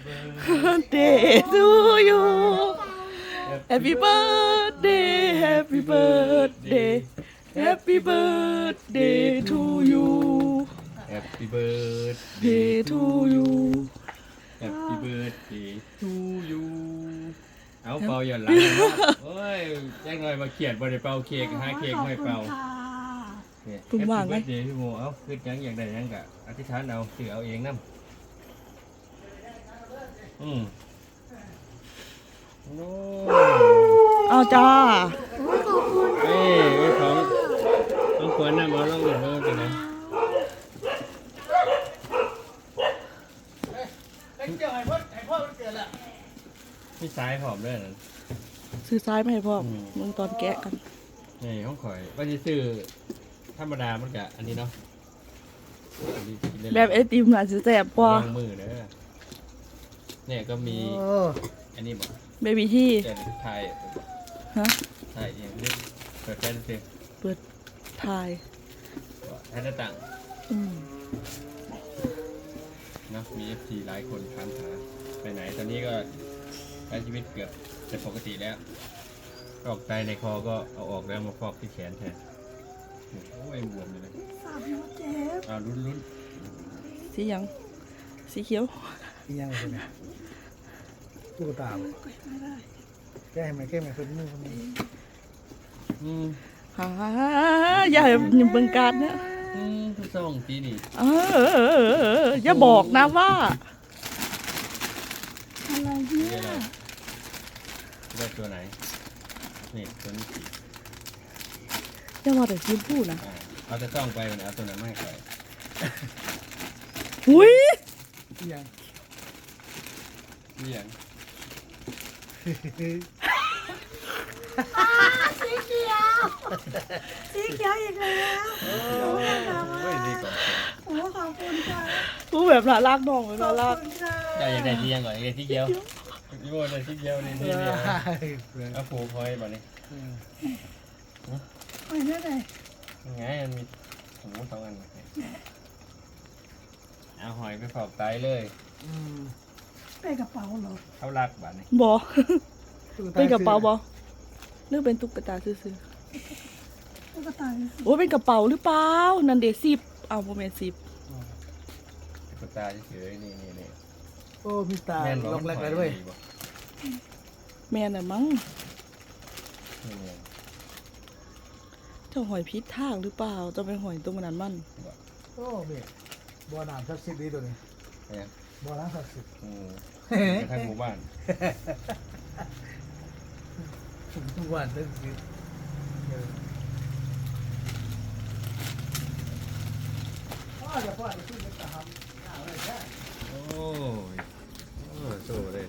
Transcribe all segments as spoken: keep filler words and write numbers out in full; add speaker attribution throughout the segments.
Speaker 1: birthday to you Happy birthday Happy birthday Happy birthday to you
Speaker 2: Happy birthday
Speaker 1: Day to you
Speaker 2: Happy birthday to you เอาเป่าหย่อนหลังนะครับโอ้ยแจ้งหน่อยมาเขียนบริเป่าเค้กหาเค้กไม่เป่าเนี่ย
Speaker 1: คุณว่างไหม
Speaker 2: Happy birthday พี่โมเอาคือยังอย่างใดยังกะอธิษฐานเอาถือเอาเองน้ำอืมโอ้
Speaker 1: เอาจ้า
Speaker 2: เอ้ยไอ้ของต้องควรนำเอาลองดูว่าเป็นไงพี่สายหอมด้วยนะ
Speaker 1: ซื้อซ้ายมาให้พ่อมึงตอนแกะกัน
Speaker 2: นี่ห้องข่อยว่าจะซื้อธรรมดามันกะอันนี้เนาะอันนี้กินได้เลย
Speaker 1: แบบไอติมน่ะสิแซ่บกว่า
Speaker 2: วางมือเด้อเนี่ยก็มีอันนี้บอก
Speaker 1: เบบี้ที่
Speaker 2: เจนไทย
Speaker 1: ฮะ
Speaker 2: ไทยอย่างนี้เปิดแฟนซิ
Speaker 1: เปิดทาย
Speaker 2: ให้หน้าต่าง
Speaker 1: อืม
Speaker 2: เนาะมีเอฟซีหลายคนถามหาไปไหนตอนนี้ก็ใช้ชีวิตเกือบจะปกติแล้วออกไตในคอก็เอาออกแล้วมาฟอกที่แขนแทนโอ้ยบวมเลย
Speaker 3: สามหัวเจ็บ
Speaker 2: อ่าลุ้นลุ้น
Speaker 1: สีหยังสีเขียว
Speaker 4: อีกอย่างเลยเนี่ยตุ๊กตาบ่
Speaker 3: ไม่ได้
Speaker 4: แก้ให้มันแก้ให้มันเป็นมือคนนี้
Speaker 2: อืม
Speaker 1: ฮ่าอย่าอย่าเบิ่งการนะ
Speaker 2: อืมทุกสองปีนี่
Speaker 1: เอออย่าบอกนะว่า
Speaker 3: อะไร
Speaker 2: นี่
Speaker 3: เนี่ย
Speaker 2: อะไรได้ตัวไหนนี่ตัวนี้สี
Speaker 1: อย่าว่าแต่ชิมพูดนะ
Speaker 2: อ่าเอาแต่ต้องไปวันนี้เอาตัวไหนไม่ให้ไป
Speaker 1: อุ้ย
Speaker 4: อีกอย่าง
Speaker 2: นี่อย่าง
Speaker 3: สีเขียวสีเขียวอีกแล้ว
Speaker 2: เฮ้ยดีก่อน
Speaker 3: โอ้ขอบคุณค่ะ
Speaker 1: พูดแบบน่ารักน้องเลย
Speaker 3: ขอ
Speaker 1: น่า
Speaker 3: บ
Speaker 1: รัก
Speaker 3: คุณค่ะ
Speaker 2: อยากอยากได้ที่ยังก่อนอยากได้ที่เดียวพี่โมได้ที่เดียวนี่
Speaker 4: เอ
Speaker 2: นี่
Speaker 4: อ
Speaker 2: นี่เอาผูกคอยบ่นี่
Speaker 3: ไปได้ไหน
Speaker 2: ยังไงมันมีหูสองอันเอาหอยไปฝอกไตเลย
Speaker 4: อืม
Speaker 3: ไปกระเป๋าเหรอ
Speaker 2: เข้ารักบ้านนี่
Speaker 1: บอ
Speaker 4: ตุ๊ต
Speaker 1: เป็นกระเป๋าบอหรือเป็นตุ๊กตาซื้อ
Speaker 3: ตุ๊กตา
Speaker 1: ๆโอ้ยเป็นกระเป๋าหรือเปล่านันเดซิบเอาโมเมนซิบ
Speaker 2: ตุ๊กตาเฉยๆนี่นี่นี่
Speaker 4: โอ้มีตา
Speaker 2: แม่นบ่
Speaker 4: ลงแรกเลยด้วย
Speaker 2: บ่
Speaker 1: แม่น่ะมั้ง
Speaker 2: นี่นี่
Speaker 1: เจ้าหอยพิษทางหรือเปล่าเจะเป็นหอยตัวมันนั้นมัน
Speaker 4: โอ้เบ็ดบ่อน้ำศักดิ์สิทธิ์ดีตัวนี้
Speaker 2: เนี่ย
Speaker 4: บ่อน้ำศักดิ์สิทธิ์
Speaker 2: อืมกระทั่งหมู่บ้าน
Speaker 4: ทุกวันศักดิ์สิทธิ์เออพ่อจะพ่อจะขึ้นไปตามหาอะไรแค่
Speaker 2: โอ้ยโอ้ยโซ่เล่น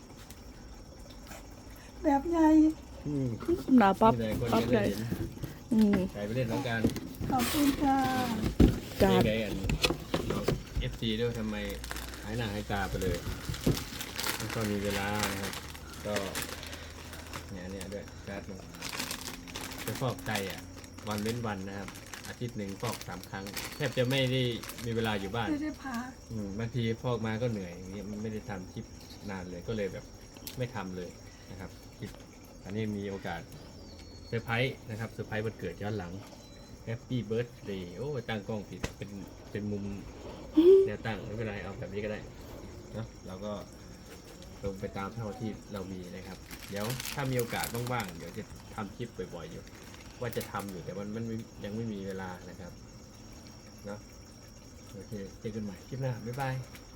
Speaker 3: แบบใหญ่
Speaker 2: อืม
Speaker 1: หนาปั๊บ
Speaker 2: มีแต่คน
Speaker 1: ปั๊บ
Speaker 2: จะ
Speaker 1: ให
Speaker 2: ได้
Speaker 1: ญ่
Speaker 2: เห็น
Speaker 1: อืม
Speaker 2: ใครไปเล่นน้องการ
Speaker 3: ขอบคุณค่ะ
Speaker 1: จา
Speaker 2: นี่
Speaker 1: ด
Speaker 2: ไงอันเอฟซีด้วยทำไมหายหน้าหายตาไปเลยไม่ค่อยมีเวลานะครับ ก็เนี่ยเนี่ยด้วยการ์ดลงไปฟอกไตอ่ะ วันเว้นวันนะครับ อาทิตย์หนึ่งฟอกสามครั้ง แทบจะไม่ได้มีเวลาอยู่บ้าน
Speaker 3: ไม่ได้พัก
Speaker 2: อืมบางทีฟอกมาก็เหนื่อยอย่างเงี้ยไม่ได้ทำคลิปนานเลยก็เลยแบบไม่ทำเลยนะครับคลิปอันนี้มีโอกาสเซอร์ไพรส์นะครับเซอร์ไพรส์วันเกิดย้อนหลัง Happy Birthday โอ้ตั้งกล้องผิดเป็นเป็นมุมแนวตั้งไม่เป็นไรเอาแบบนี้ก็ได้เนาะเราก็ลงไปตามเท่าที่เรามีนะครับ เดี๋ยวถ้ามีโอกาสว่างๆเดี๋ยวจะทำคลิปบ่อยๆอยู่ ว่าจะทำอยู่แต่มันมันยังไม่มีเวลานะครับเนาะโอเคเจอกันใหม่คลิปหน้าบ๊ายบาย